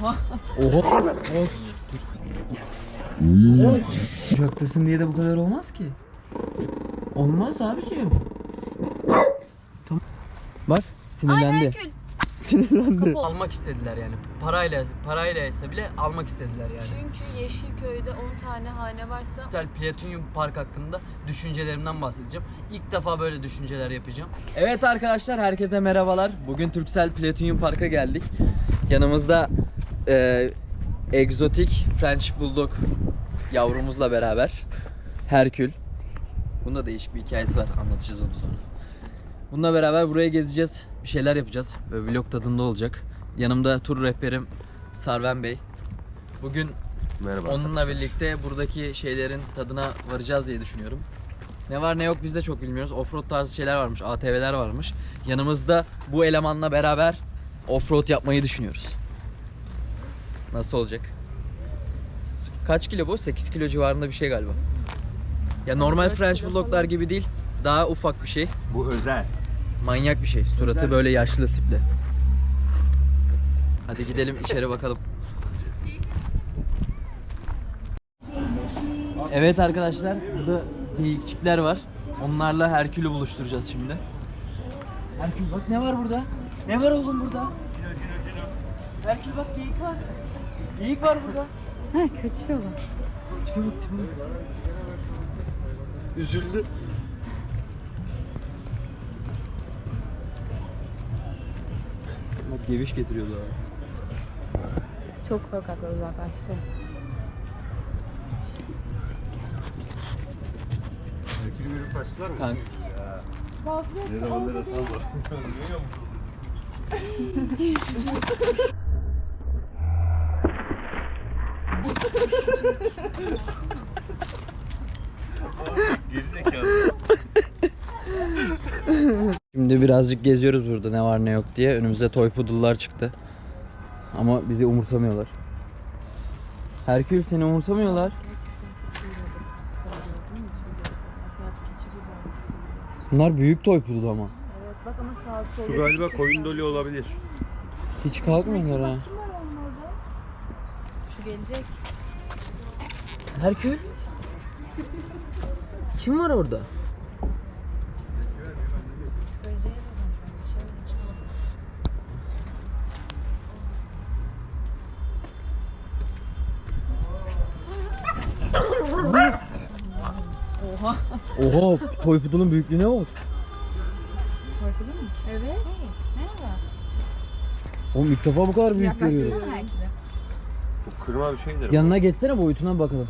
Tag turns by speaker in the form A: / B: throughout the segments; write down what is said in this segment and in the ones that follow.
A: Oha.
B: Oha. Uçaktasın diye de bu kadar olmaz ki. Olmaz abiciğim. Tamam. Bak sinirlendi. Sinirlendi. Almak istediler yani. Parayla ise bile almak istediler yani.
A: Çünkü Yeşilköy'de 10 tane hane varsa
B: Türksel Platinum Park hakkında düşüncelerimden bahsedeceğim. İlk defa böyle düşünceler yapacağım. Evet arkadaşlar, herkese merhabalar. Bugün Türksel Platinum Park'a geldik. Yanımızda egzotik French Bulldog yavrumuzla beraber Herkül. Bunda değişik bir hikayesi var. Anlatacağız onu sonra. Bununla beraber buraya gezeceğiz. Bir şeyler yapacağız. Böyle vlog tadında olacak. Yanımda tur rehberim Sarven Bey. Bugün
C: merhaba
B: onunla
C: arkadaşlar.
B: birlikte buradaki şeylerin tadına varacağız diye düşünüyorum. Ne var ne yok biz de çok bilmiyoruz. Offroad tarzı şeyler varmış, ATV'ler varmış. Yanımızda bu elemanla beraber offroad yapmayı düşünüyoruz. Nasıl olacak? Kaç kilo bu? 8 kilo civarında bir şey galiba. Ya normal French Bulldog'lar gibi değil. Daha ufak bir şey.
C: Bu özel.
B: Manyak bir şey. Suratı böyle yaşlı tipli. Hadi gidelim içeri bakalım. Evet arkadaşlar, burada geyikçikler var. Onlarla Herkül'ü buluşturacağız şimdi. Herkül bak ne var burada? Ne var oğlum burada? Herkül bak geyik var. Geyik var burada.
A: ha, kaçıyorlar.
B: Tipe bak tipe bak. Üzüldü. Bak geviş getiriyordu abi.
A: Çok korkaklar uzaklaştı.
C: Herkül bölüm başlar mı?
B: Kanka.
C: Ne zamanlara salla. Gerizekalı.
B: Şimdi birazcık geziyoruz burada ne var ne yok diye. Önümüze toy poodle'lar çıktı. Ama bizi umursamıyorlar. Herkül seni umursamıyorlar. Bunlar büyük toy poodle ama.
A: Evet bak ama sağ sol.
C: Şu galiba koyun dolu olabilir.
B: Hiç kalkmıyorlar ha.
A: Şu gelecek.
B: Herkül? Kim var orada?
A: Psikolojiye Oha.
B: Oha, toy poodle'un büyüklüğüne bak.
A: Korkudun mu? Evet. Merhaba.
B: Oğlum ilk defa bu kadar büyük görüyorum.
A: Yaklaştırsana Herkül'e.
C: Bu kırma bir şeydir.
B: Yanına geçsene, boyutuna bakalım.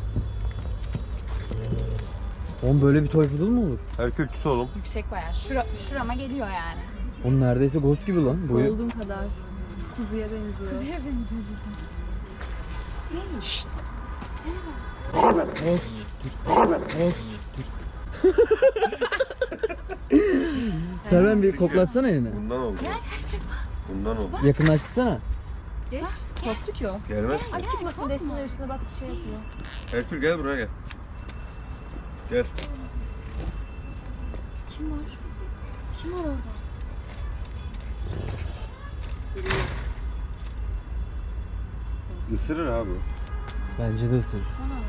B: Oğlum böyle bir toy poodle mu olur?
C: Herkül tüs oğlum.
A: Yüksek bayağı. Şurama geliyor yani.
B: Oğlum neredeyse ghost gibi lan boyu.
A: Golden kadar. Kuzuya benziyor. Kuzuya benziyor cidden. Neymiş?
B: Os. Os. Serven bir koklatsana elini.
C: Bundan oldu. Bundan oldu.
B: Yakınlaştırsana.
A: Geç. Korktu ki o.
C: Gelmez ki.
A: Ay çıkmasın desine üstüne bak şey yapıyor.
C: Herkül gel buraya gel. Gel.
A: Kim var? Kim var orada?
C: Isırır abi.
B: Bence de ısır.
A: Sana.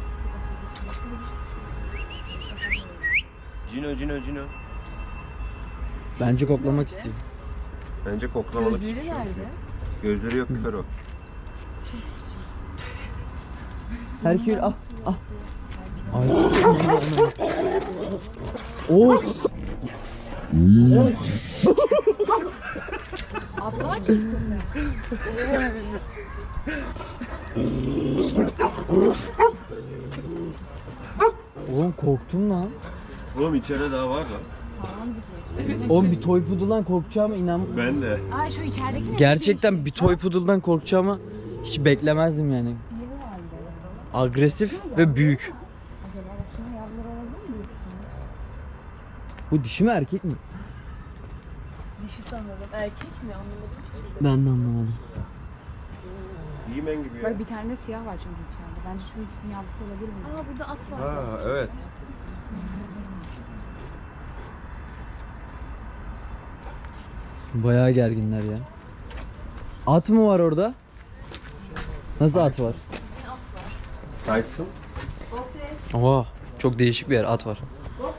C: Cino.
B: Bence koklamak istiyor.
C: Bence koklamalık
A: Gözleri
C: hiçbir şey yok.
A: nerede?
C: Gözleri yok, kör o.
B: Herkül ah ah. Ay. Oo.
A: Ablar ki istese.
B: Oğlum korktum lan.
C: Oğlum içeride daha var lan.
A: Sağlam zıplıyorsun.
B: Oğlum bir toy poodle'dan korkacağıma inan.
C: Ben de.
A: Ay şu içerideki ne?
B: Gerçekten bir toy poodle'dan korkacağıma hiç beklemezdim yani. Agresif ve büyük.
A: Acaba bak şunun yavruları olabilir mi bu ikisinin?
B: Bu dişi mi erkek mi?
A: Dişi sanırım. Erkek mi anlamadım.
B: Ben de anlamadım.
C: Yemen gibi ya.
A: Bak bir tane de siyah var çünkü içeride. Bence şu ikisinin yavrusu olabilir mi? Aa burada at var.
C: Ha evet.
B: Bayağı gerginler ya. At mı var orada? Nasıl at var?
C: Tyson.
B: Oha, çok değişik bir yer, at var.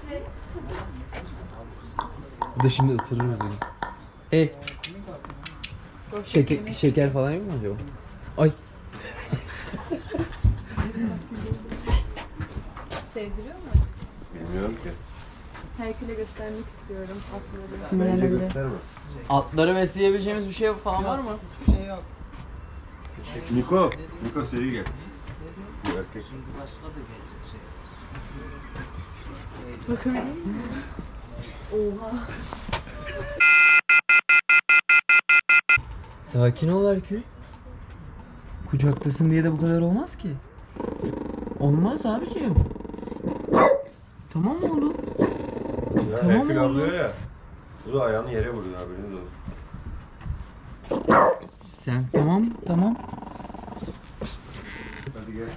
B: Bir de şimdi ısırırız yani. Hey. Şeker falan yok mu acaba? Ay.
A: Sevdiriyor mu?
C: Bilmiyorum ki.
A: Herkül'e göstermek istiyorum atları.
C: Bence
A: Sinirlendi.
C: gösterme.
B: Atları besleyebileceğimiz bir şey falan var mı?
C: Niko seri gel. Bu erkek.
A: Bakabilir miyim? Oha.
B: Sakin ol Herkül. Kucaktasın diye de bu kadar olmaz ki. Olmaz abiciğim. Tamam mı oğlum?
C: Ya
B: Tamam
C: Herkül
B: oğlum.
C: avlıyor ya. Bu da ayağını yere vuruyor, haberiniz olsun.
B: Sen tamam.
C: Hadi gel.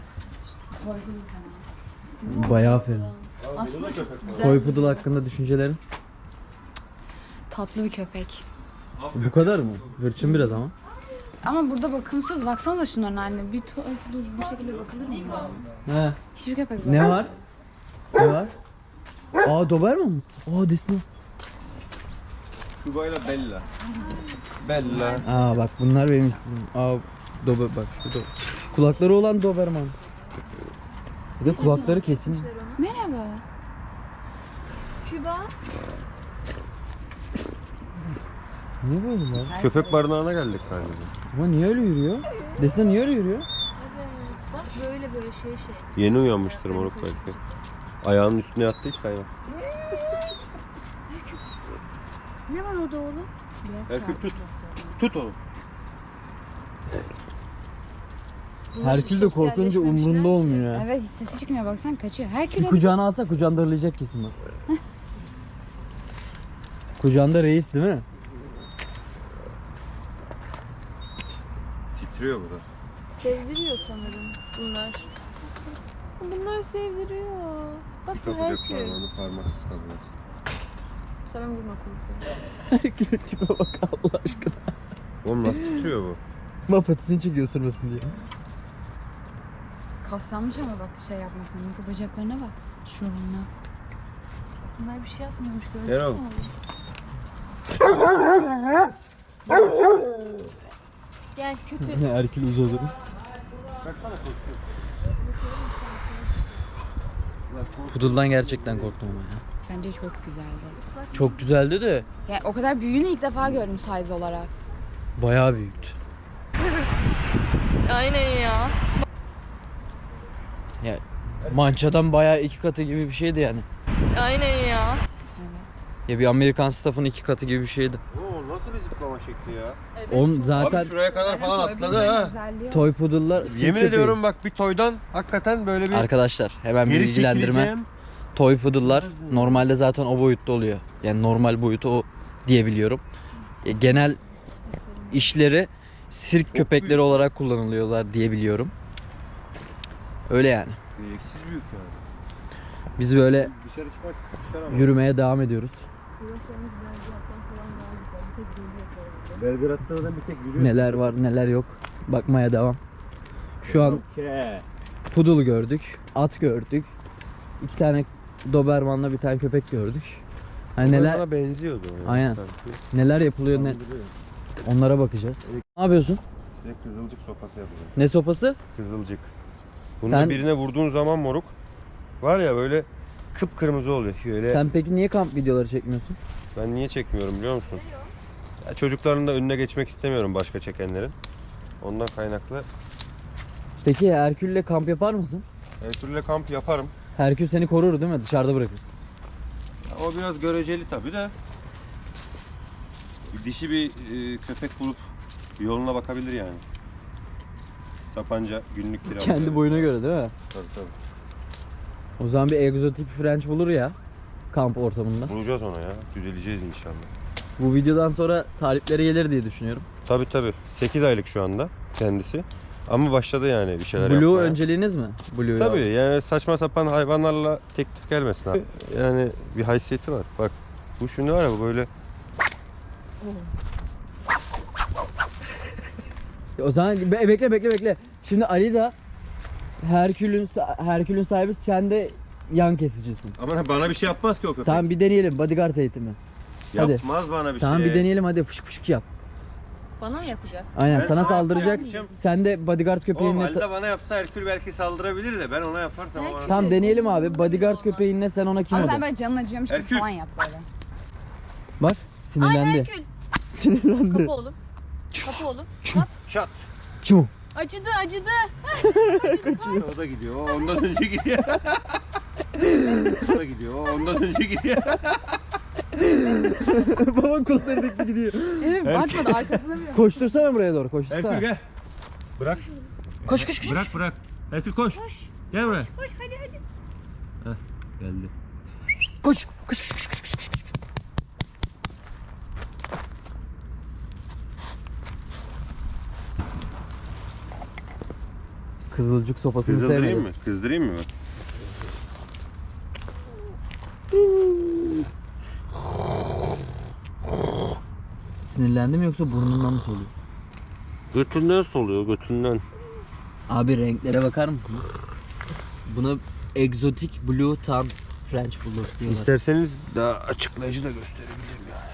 B: Bayağı aferin.
A: Aslında çok güzel.
B: Toy Poodle hakkında düşüncelerin?
A: Tatlı bir köpek.
B: Bu kadar mı? Hırçın biraz ama.
A: Ama burada bakımsız. Baksanıza şunların haline. Bir bu şekilde bakılır mı?
B: He.
A: Hiçbir köpek
B: Ne var? Ne var? Aa, Doberman mı? Aa, Disney.
C: Şubayla Bella. Bella.
B: Aa bak, bunlar benim istediğim. Aa, bak şu kulakları olan Doberman. Bir de kulakları kesin.
A: Merhaba.
D: Küba.
B: Niye böyle lan?
C: Köpek barınağına geldik galiba.
B: Ama niye öyle yürüyor? Desene niye öyle yürüyor?
D: Evet. Bak böyle şey.
C: Yeni uyanmıştır moruk belki. Ayağının üstüne yattıysa hayvan.
D: Ne var orada oğlum?
C: Herkül tut. Tut onu.
B: Herkül de korkunca umrunda olmuyor ya.
A: Evet, hiç sesi çıkmıyor. Baksan kaçıyor.
B: Bir
A: Herkül'e
B: kucağına alsa kucağında hırlayacak kesin bak. Kucağında reis değil mi?
C: Titriyor bu da.
D: Sevdiriyor sanırım bunlar. Bunlar sevdiriyor. Bak bu
C: Kapacak
D: Herkül.
C: parmağını parmaksız kalacaksın.
D: Sen vurma korkuyorum.
B: Herkül'ün tipe bak Allah aşkına.
C: Oğlum nasıl titriyor bu?
B: Mapatisini çekiyor ısırmasın diye.
A: kaslanmış ama bak şey yapmaktan. Mikro bacaklarına bak. Şuralarına.
D: Bunlar bir şey yapmıyormuş gördün
C: Erol.
D: mü? Gel kötü.
B: Herkül uzadı. Poodle'dan gerçekten korktum ama ya.
A: Bence çok güzeldi.
B: Çok güzeldi de
A: Yani o kadar büyüğünü ilk defa gördüm size olarak.
B: bayağı büyüktü.
D: Aynen ya.
B: Ya mançadan bayağı 2 katı gibi bir şeydi yani.
D: Aynen ya.
B: Ya bir Amerikan staff'ın 2 katı gibi bir şeydi.
C: Oo nasıl bir zıplama şekli ya?
B: Onun zaten
C: Abi şuraya kadar falan atladı ha.
B: toy poodle'lar sirk
C: Yemin
B: köpeği.
C: ediyorum bak bir toydan hakikaten böyle bir
B: Arkadaşlar hemen bir
C: geri
B: bilgilendirme.
C: çekileceğim.
B: Toy poodle'lar normalde zaten o boyutta oluyor. Yani normal boyutu o diyebiliyorum. Genel işleri sirk köpekleri
C: büyük.
B: olarak kullanılıyorlar diyebiliyorum. Öyle yani.
C: Gereksiz büyük yani.
B: Biz böyle
C: Dışarı çıkmak çıkar
B: yürümeye devam ediyoruz.
C: Belgrad'da da bir tek yürüyor.
B: Neler var neler yok bakmaya devam. Şu an poodle gördük, at gördük. 2 tane Doberman'la bir tane köpek gördük. Hani neler
C: Bana benziyordu o yani
B: Aynen.
C: sanki.
B: neler yapılıyor onlara bakacağız. Ne yapıyorsun?
C: Direkt kızılcık sopası yapacağım.
B: Ne sopası?
C: Kızılcık. Bunu
B: Sen-
C: da birine vurduğun zaman moruk var ya böyle kıpkırmızı oluyor. Şöyle
B: Sen peki niye kamp videoları çekmiyorsun?
C: ben niye çekmiyorum biliyor musun? Ya çocukların da önüne geçmek istemiyorum başka çekenlerin. Ondan kaynaklı.
B: Peki Herkül'le kamp yapar mısın?
C: Herkül'le kamp yaparım.
B: Herkül seni korur değil mi? Dışarıda bırakırsın.
C: Ya o biraz göreceli tabii de. Dişi bir köpek bulup yoluna bakabilir yani. Sapanca günlük kira.
B: Kendi boyuna göre değil mi?
C: Tabii tabii.
B: O zaman bir egzotik French bulur ya kamp ortamında.
C: Bulacağız ona ya. Düzeleceğiz inşallah.
B: Bu videodan sonra talipleri gelir diye düşünüyorum.
C: Tabii tabii. 8 aylık şu anda kendisi. Ama başladı yani bir şeyler
B: Blue
C: yapmaya.
B: önceliğiniz mi? Blue
C: Tabii yani saçma sapan hayvanlarla teklif gelmesin abi. Yani bir haysiyeti var. Bak bu şimdi var ya bu böyle
B: O zaman bekle. Şimdi Ali da Herkül'ün sahibi, sen de yan kesicisin.
C: Ama bana bir şey yapmaz ki o köpek.
B: Tamam bir deneyelim bodyguard eğitimi. Hadi.
C: Yapmaz bana bir
B: Tamam
C: şey.
B: bir deneyelim hadi, fışk fışk yap.
D: Bana mı yapacak?
B: Aynen
C: Ben
B: sana
C: sana
B: saldıracak.
C: yapacağım.
B: Sen de bodyguard
C: O
B: köpeğinle
C: halde bana yapsa Herkül belki saldırabilir de ben ona yaparsam o bana...
B: Tamam deneyelim abi. Bodyguard köpeğinle sen ona kim
A: Ama sen
B: oldu?
A: böyle canın acıyormuş gibi
C: Herkül.
A: falan yap böyle.
B: Bak sinirlendi.
D: Herkül.
B: Sinirlendi.
D: Kapı oğlum. Kapı oğlum. Bak.
C: Çat.
B: Kim o?
D: Acıdı acıdı.
C: O da gidiyor. O ondan önce gidiyor. O da gidiyor. O ondan önce gidiyor.
B: Baba kulakları dikti gidiyor.
A: Evet bakmadı arkasına bile.
B: Koştursana buraya doğru, koştursana.
C: Herkül gel. Bırak.
B: Koş koş koş.
C: Bırak. Herkül koş. Gel buraya.
D: Koş hadi hadi.
C: Heh, geldi.
B: Koş. Koş koş koş koş koş. Kızılcık sopasını
C: Kızdırayım
B: sevmedim.
C: mı? Kızdırayım mı bak?
B: Sinirlendi mi yoksa burnundan mı soluyor?
C: Götünden soluyor, götünden.
B: Abi renklere bakar mısınız? Buna egzotik blue tan French bulldog diyorlar.
C: İsterseniz daha açıklayıcı da gösterebilirim yani.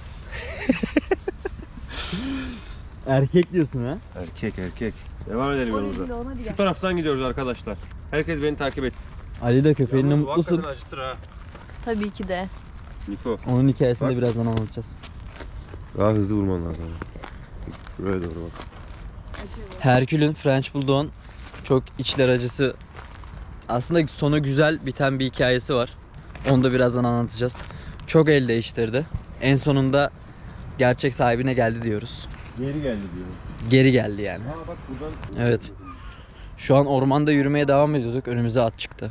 B: Erkek diyorsun ha?
C: Erkek. Devam edelim yolumuza. Şu taraftan gidiyoruz arkadaşlar. Herkes beni takip etsin.
B: Ali de köpeğinle
C: Yalnız bu
B: mutlusun.
C: hakikaten acıtır ha.
D: Tabii ki de.
C: Niko.
B: Onun hikayesini de
C: Bak.
B: birazdan anlatacağız.
C: Daha hızlı vurman lazım. Buraya doğru bak.
B: Herkül'ün French Bulldog'un çok içler acısı, aslında sonu güzel biten bir hikayesi var. Onu da birazdan anlatacağız. Çok el değiştirdi. En sonunda gerçek sahibine geldi diyoruz.
C: Geri geldi diyor.
B: Geri geldi yani.
C: Aa bak buradan.
B: Evet. Şu an ormanda yürümeye devam ediyorduk. Önümüze at çıktı.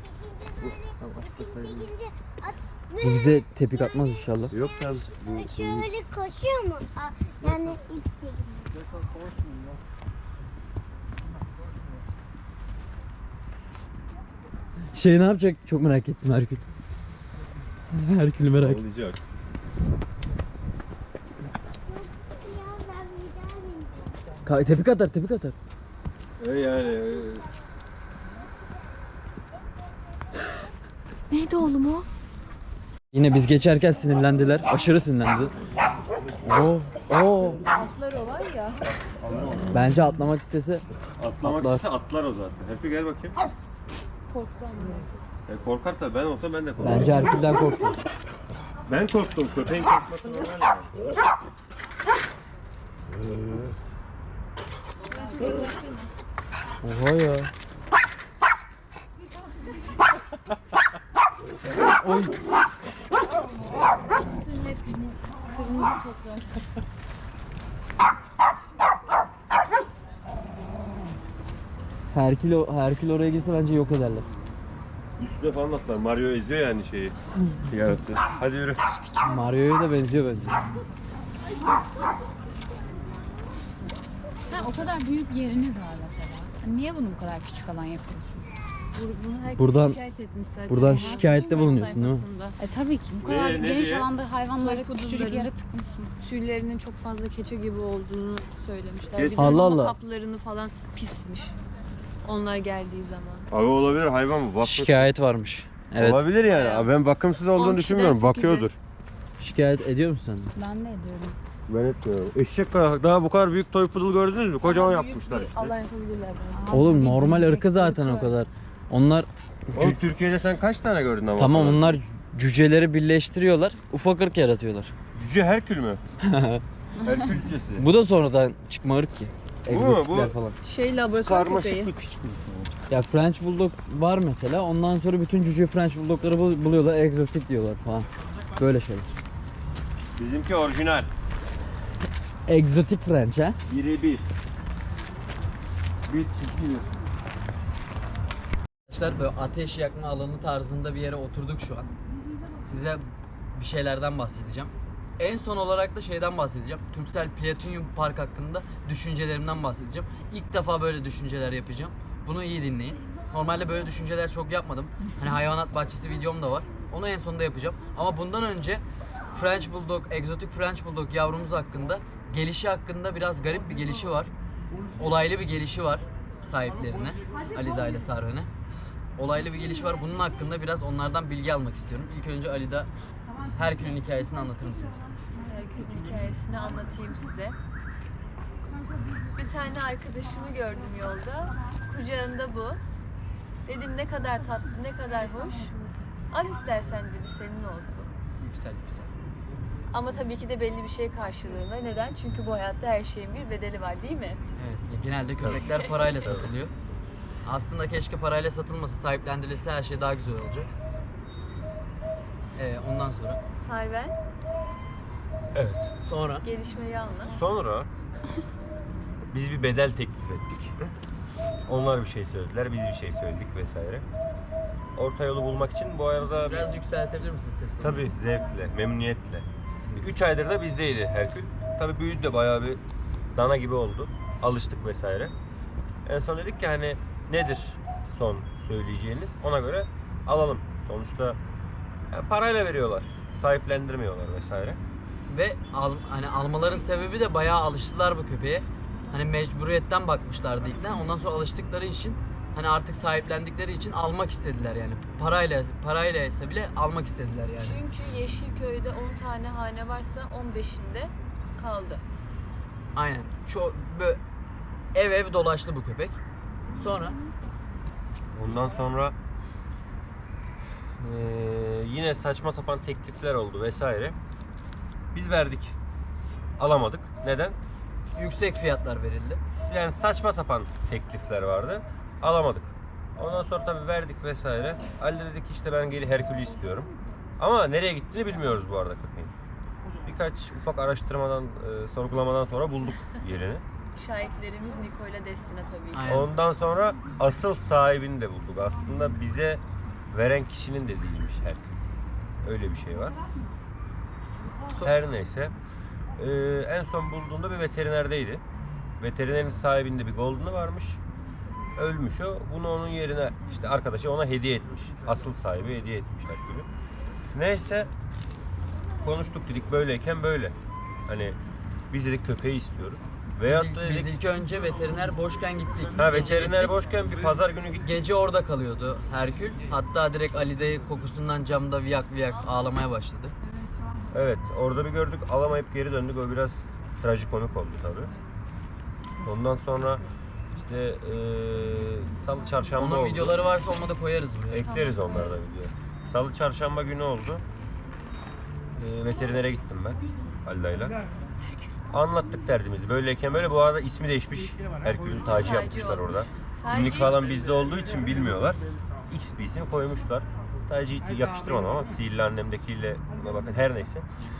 B: Bu bize tepik atmaz inşallah.
C: Yok sen bu
E: Şöyle koşuyor mu? Yani ipsi.
B: Şey ne yapacak? Çok merak ettim Herkül. Herkül'ü merak ettim.
C: olacak.
B: Tepik atar, tepik atar.
C: Yani
D: Neydi oğlum o?
B: Yine biz geçerken sinirlendiler. Aşırı sinirlendi. Oo.
A: Atlar o var ya.
B: Bence atlamak istese
C: atlamak
B: Atlar.
C: istese atlar o zaten. Herkül gel bakayım.
A: Korktu ama.
C: Korkar tabii, ben olsam ben de korkarım.
B: bence Herkül'den korktu.
C: Ben korktum, köpeğin korkması normal yani.
B: Oha ya. Oy. Herkül oraya girse bence yok ederler.
C: Üstüne falan atlar. Mario eziyor yani şeyi. Yarattı. Hadi yürü.
B: Mario'ya da benziyor bence.
A: Ha, o kadar büyük yeriniz var mesela. Hani niye bunu bu kadar küçük alan yapıyorsun?
D: Bunu herkes
B: Buradan-
D: şikayet etmiş zaten.
B: buradan
D: Ya.
B: şikayette bulunuyorsun değil mi?
D: Sayfasında.
A: Tabii ki bu kadar
C: Ne
A: geniş
C: diye?
A: alanda hayvanlara
D: Toy
A: küçücük
D: poodle'ların-
A: yere tıkmışsın.
D: Tüylerinin çok fazla keçe gibi olduğunu söylemişler.
C: Kes-
D: Bir de
B: Allah
D: mama
B: Allah.
D: kaplarını falan pismiş. Onlar geldiği zaman.
C: Abi olabilir, hayvan mı? Bak.
B: Şikayet varmış. Evet.
C: Olabilir yani.
D: Bayağı.
C: Abi ben bakımsız
D: 10
C: olduğunu
D: kişiden
C: düşünmüyorum.
D: 8'i.
C: Bakıyordur.
B: Şikayet ediyor musun sen de?
A: Ben de ediyorum.
C: Ben etmiyorum. Eşek daha bu kadar büyük toy poodle gördünüz mü? Kocaman
D: Daha büyük
C: yapmışlar
D: bir
C: işte.
D: alan yapabilirler bana.
B: Oğlum
A: tabii,
B: normal
A: büyüyecek,
B: ırkı zaten o
A: ırkı.
B: kadar. Onlar
C: Oğlum Türkiye'de sen kaç tane gördün ama?
B: tamam,
C: o kadar?
B: onlar cüceleri birleştiriyorlar. Ufak ırk yaratıyorlar.
C: Cüce Herkül mü? Herkül cücesi.
B: Bu da sonradan çıkma ırk ki.
C: Bu mu?
B: Egzotikler
C: Bu-
B: falan.
D: Şey laboratuvar köpeği.
C: Karmaşıklık hiç.
B: Ya French Bulldog var mesela. Ondan sonra bütün cüce French Bulldog'ları buluyorlar. Egzotik diyorlar falan. Böyle şeyler.
C: Bizimki orijinal.
B: Egzotik French ha.
C: Birebir. Bir çizgi bir.
B: Arkadaşlar böyle ateş yakma alanı tarzında bir yere oturduk şu an. Size bir şeylerden bahsedeceğim. En son olarak da şeyden bahsedeceğim. Turkcell Platinum Park hakkında düşüncelerimden bahsedeceğim. İlk defa böyle düşünceler yapacağım. Bunu iyi dinleyin. Normalde böyle düşünceler çok yapmadım. Hani hayvanat bahçesi videom da var. Onu en sonunda yapacağım. Ama bundan önce French Bulldog, egzotik French Bulldog yavrumuz hakkında, gelişi hakkında biraz garip bir gelişi var. Olaylı bir gelişi var. sahiplerine, Alida ile Sarven'e. Olaylı bir geliş var. Bunun hakkında biraz onlardan bilgi almak istiyorum. İlk önce Alida, Herkül'ün hikayesini anlatır mısınız?
D: Herkül'ün hikayesini anlatayım size. Bir tane arkadaşımı gördüm yolda. Kucağında bu. Dedim ne kadar tatlı, ne kadar hoş. Al istersen dedi, senin olsun.
B: Yüksel.
D: Ama tabii ki de belli bir şey karşılığında. Neden? Çünkü bu hayatta her şeyin bir bedeli var, değil mi?
B: Evet, genelde köpekler parayla satılıyor. Aslında keşke parayla satılmasa, sahiplendirilse her şey daha güzel olacak. Ondan sonra?
D: Sarven,
B: Sonra?
D: gelişmeyi anlat.
F: Sonra biz bir bedel teklif ettik. Onlar bir şey söylediler, biz bir şey söyledik vesaire. Orta yolu bulmak için bu arada
B: Biraz yükseltebilir misiniz ses tonunu?
F: tabii zevkle, memnuniyetle. 3 aydır da bizdeydi Herkül. Tabii büyüdü de bayağı bir dana gibi oldu. Alıştık vesaire. En son dedik ki hani nedir son söyleyeceğiniz, ona göre alalım. Sonuçta yani parayla veriyorlar, sahiplendirmiyorlar vesaire.
B: Ve hani almaların sebebi de bayağı alıştılar bu köpeğe. Hani mecburiyetten bakmışlardı ilkten. Ondan sonra alıştıkları için hani artık sahiplendikleri için almak istediler yani. Parayla ise bile almak istediler yani.
D: Çünkü Yeşilköy'de 10 tane hane varsa 15'inde kaldı.
B: Aynen. Böyle ev dolaştı bu köpek. Sonra
F: Ondan sonra yine saçma sapan teklifler oldu vesaire. Biz verdik. Alamadık. Neden?
B: yüksek fiyatlar verildi.
F: Yani saçma sapan teklifler vardı. Alamadık. Ondan sonra tabii verdik vesaire. Ali de dedi ki işte ben geri Herkül'ü istiyorum. Ama nereye gittiğini bilmiyoruz bu arada köpeğin. Birkaç ufak araştırmadan, sorgulamadan sonra bulduk yerini.
D: Şahitlerimiz Niko ile Destina tabii ki.
B: Aynen.
F: Ondan sonra asıl sahibini de bulduk. Aslında bize veren kişinin de değilmiş Herkül. Öyle bir şey var. Her neyse. En son bulduğunda bir veterinerdeydi. Veterinerin sahibinde bir golden'ı varmış. Ölmüş o. Bunu onun yerine işte arkadaşı ona hediye etmiş. Asıl sahibi hediye etmiş Herkül'ü. Neyse konuştuk, dedik böyleyken böyle. Hani biz dedik köpeği istiyoruz. Veyahut da
B: Biz
F: dedik
B: ilk önce veteriner boşken gittik.
F: ha
B: Gece
F: veteriner
B: gittik.
F: boşken bir pazar günü gittik.
B: Gece orada kalıyordu Herkül. Hatta direkt Ali'de kokusundan camda viyak ağlamaya başladı.
F: Evet, orada bir gördük, alamayıp geri döndük. O biraz trajikomik oldu tabii. Ondan sonra işte salı çarşamba
B: Onun
F: oldu.
B: videoları varsa onu da koyarız buraya.
F: Ekleriz onları da video. Salı çarşamba günü oldu. Veterinere gittim ben Alda'yla. Anlattık derdimizi. Böyleyken böyle, bu arada ismi değişmiş. Herkül'ün tacı
D: Tacı
F: yapmışlar
D: olmuş.
F: orada.
D: Tacı-
F: Kimlik falan bizde olduğu için bilmiyorlar. X bir isim koymuşlar. Tacı yakıştırmadım ama sihirli annemdekiyle buna bakın, her neyse.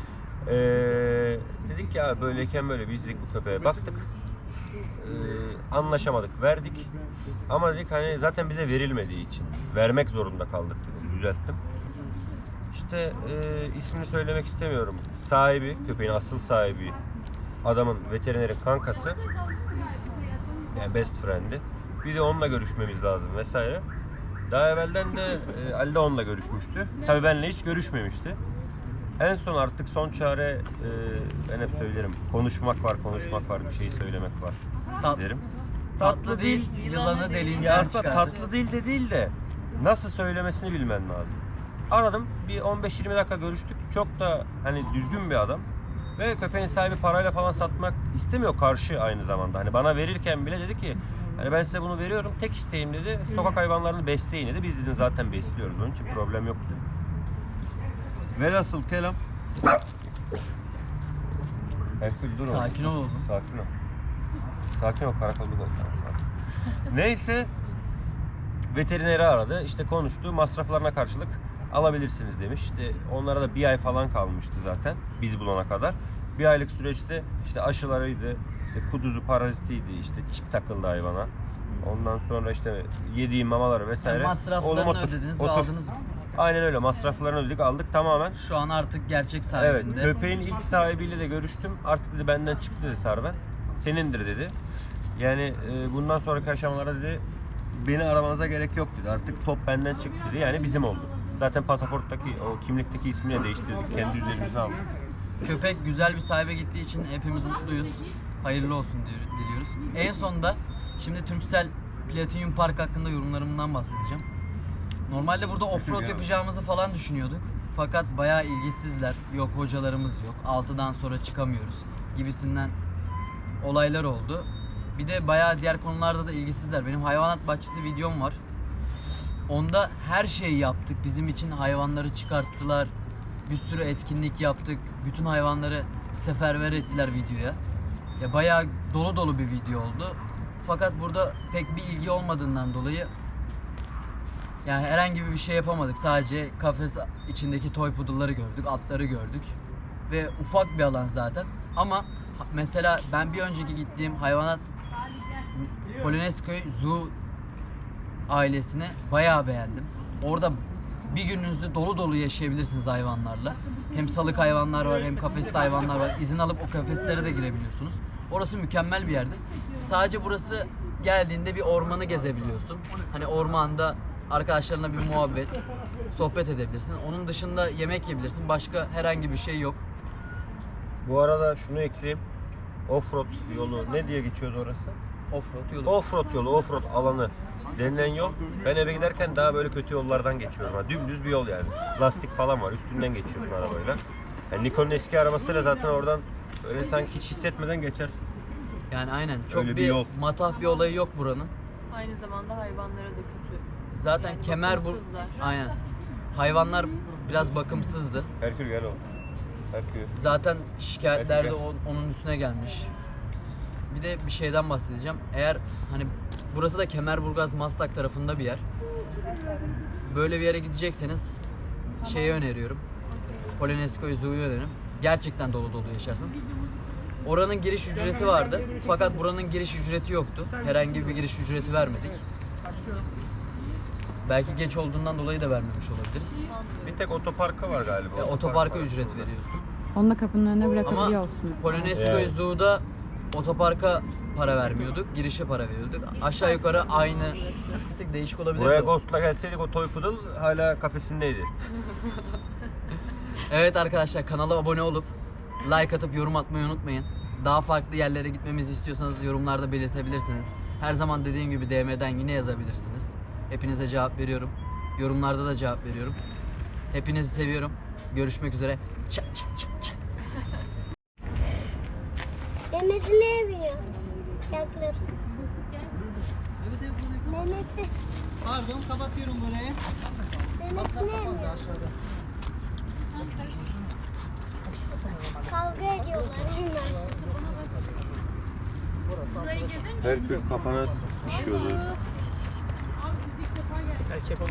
F: Dedik ya böyleyken böyle, biz dedik bu köpeğe baktık. Anlaşamadık, verdik. Ama dedik hani zaten bize verilmediği için vermek zorunda kaldık dedim. Düzelttim. İşte ismini söylemek istemiyorum. Sahibi, köpeğin asıl sahibi, adamın veterinerin kankası, yani best friend'i. Bir de onunla görüşmemiz lazım vesaire. Daha evvelden de Ali de onunla görüşmüştü. Tabii benimle hiç görüşmemişti. En son artık son çare, ben hep söylerim, konuşmak var, bir şey söylemek var derim.
B: Tatlı değil, yılanı
F: Ya
B: deliğinden
F: aslında
B: çıkardı.
F: tatlı değil de nasıl söylemesini bilmen lazım. Aradım, bir 15-20 dakika görüştük. Çok da hani düzgün bir adam. Ve köpeğin sahibi parayla falan satmak istemiyor, karşı aynı zamanda. Hani bana verirken bile dedi ki hani ben size bunu veriyorum, tek isteğim dedi, sokak hayvanlarını besleyin dedi. Biz dedim zaten besliyoruz, onun için problem yok dedi. Velhasıl kelam. Herkül dur oğlum.
B: Sakin ol oğlum.
F: Sakin ol. Sakin ol, karakolluk ol. Tamam, sakin. Neyse, veterineri aradı, işte konuştu, masraflarına karşılık alabilirsiniz demiş. İşte onlara da bir ay falan kalmıştı zaten biz bulana kadar. Bir aylık süreçte işte aşılarıydı, işte kuduzu, parazitiydi, işte çip takıldı hayvana. Ondan sonra işte yediği mamaları vesaire.
B: Yani masraflarını
F: Oğlum
B: ödediniz ve aldınız mı?
F: Aynen öyle, masraflarını ödedik, aldık tamamen.
B: Şu an artık gerçek
F: Evet,
B: sahibinde.
F: köpeğin ilk sahibiyle de görüştüm. Artık dedi benden çıktı dedi Sarven. Senindir dedi. Yani bundan sonraki aşamalarda dedi beni aramanıza gerek yok dedi. Artık top benden çıktı dedi. Yani bizim oldu. Zaten pasaporttaki, o kimlikteki ismini değiştirdik. Kendi üzerimize aldık.
B: Köpek güzel bir sahibe gittiği için hepimiz mutluyuz. Hayırlı olsun diliyoruz. En sonunda şimdi Turkcell Platinum Park hakkında yorumlarımdan bahsedeceğim. Normalde burada offroad yapacağımızı falan düşünüyorduk. Fakat bayağı ilgisizler. Yok hocalarımız yok. 6'dan sonra çıkamıyoruz gibisinden olaylar oldu. Bir de bayağı diğer konularda da ilgisizler. Benim hayvanat bahçesi videom var. Onda her şeyi yaptık. Bizim için hayvanları çıkarttılar. Bir sürü etkinlik yaptık. Bütün hayvanları seferber ettiler videoya. Ya bayağı dolu dolu bir video oldu. Fakat burada pek bir ilgi olmadığından dolayı yani herhangi bir şey yapamadık. Sadece kafes içindeki toy poodle'ları gördük, atları gördük. Ve ufak bir alan zaten. Ama mesela ben bir önceki gittiğim hayvanat Polonezköy Zoo ailesini bayağı beğendim. Orada bir gününüzü dolu dolu yaşayabilirsiniz hayvanlarla. Hem salık hayvanlar var hem kafesli hayvanlar var. İzin alıp o kafeslere de girebiliyorsunuz. Orası mükemmel bir yerdi. Sadece burası geldiğinde bir ormanı gezebiliyorsun. Hani ormanda arkadaşlarına bir muhabbet, sohbet edebilirsin. Onun dışında yemek yiyebilirsin. Başka herhangi bir şey yok.
F: Bu arada şunu ekleyeyim. Offroad yolu ne diye geçiyordu orası?
B: Offroad yolu.
F: Offroad yolu, offroad alanı denilen yol. Ben eve giderken daha böyle kötü yollardan geçiyorum. Ha, dümdüz bir yol yani. Lastik falan var. Üstünden geçiyorsun arabayla. Yani Nikon'un eski arabasıyla zaten oradan öyle sanki hiç hissetmeden geçersin.
B: Yani aynen. Çok
F: Öyle bir
B: bir
F: yol.
B: matah bir olayı yok buranın.
D: Aynı zamanda hayvanlara da kötü.
B: Zaten
D: Yani
B: kemer bu.
D: bakımsızlar.
B: Aynen. Hayvanlar biraz bakımsızdı.
F: Herkül gel oğlum. Herkül.
B: Zaten şikayetler de
F: Peki.
B: onun üstüne gelmiş. Bir de bir şeyden bahsedeceğim. Eğer hani burası da Kemerburgaz Maslak tarafında bir yer. Böyle bir yere gidecekseniz şeyi öneriyorum. Polonezköy Zoo'yu öneririm. Gerçekten dolu dolu yaşarsınız. Oranın giriş ücreti vardı. Fakat buranın giriş ücreti yoktu. Herhangi bir giriş ücreti vermedik. Belki geç olduğundan dolayı da vermemiş olabiliriz.
F: Bir tek otoparka var galiba.
B: Otoparka
F: var.
B: ücret veriyorsun.
A: Onu da kapının önüne
B: Ama
A: bırakabiliyorsun.
B: Polonezköy
F: Evet.
B: Zoo'da otoparka para vermiyorduk, girişe para veriyorduk. Aşağı yukarı aynı. Sık değişik olabilir.
F: Buraya
B: bu.
F: Ghost'la gelseydik o toy poodle hala kafesindeydi.
B: Evet arkadaşlar, kanala abone olup like atıp yorum atmayı unutmayın. Daha farklı yerlere gitmemizi istiyorsanız yorumlarda belirtebilirsiniz. Her zaman dediğim gibi DM'den yine yazabilirsiniz. Hepinize cevap veriyorum. Yorumlarda da cevap veriyorum. Hepinizi seviyorum. Görüşmek üzere. Çak çak çak çak.
E: Mehmet'i ne yapıyor? Yaklaş. Mehmet'i.
G: Pardon, kapatıyorum burayı.
E: Mehmet ne yapıyor? Kavga ediyorlar hemen.
F: Herkül kafana düşüyordu.